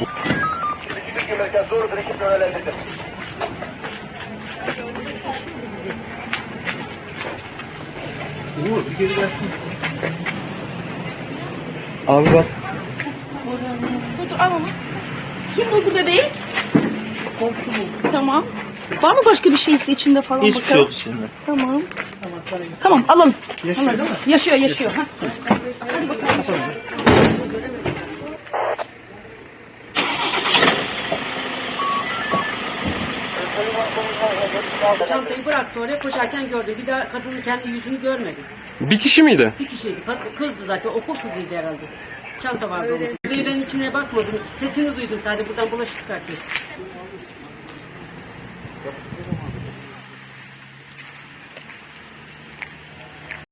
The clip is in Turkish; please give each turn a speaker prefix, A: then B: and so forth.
A: Abi bas.
B: Dur al onu. Kim buldu bebeği? Tamam. Var mı başka bir şeysi içinde falan
A: Hiçbir şey
B: bakalım?
A: yok içinde.
B: Tamam. Tamam alalım.
A: Yaşıyor
B: Alalım.
A: değil mi?
B: Yaşıyor. Ha. Hadi bakalım.
C: Çantayı bıraktı oraya, koşarken gördüm. Bir daha kadının kendi yüzünü görmedim.
D: Bir kişi miydi?
C: Bir kişiydi. Kızdı zaten. Okul kızıydı herhalde. Çanta vardı onun. Ve ben içine bakmadım. Sesini duydum sadece. Buradan bulaşık çıkartıyor.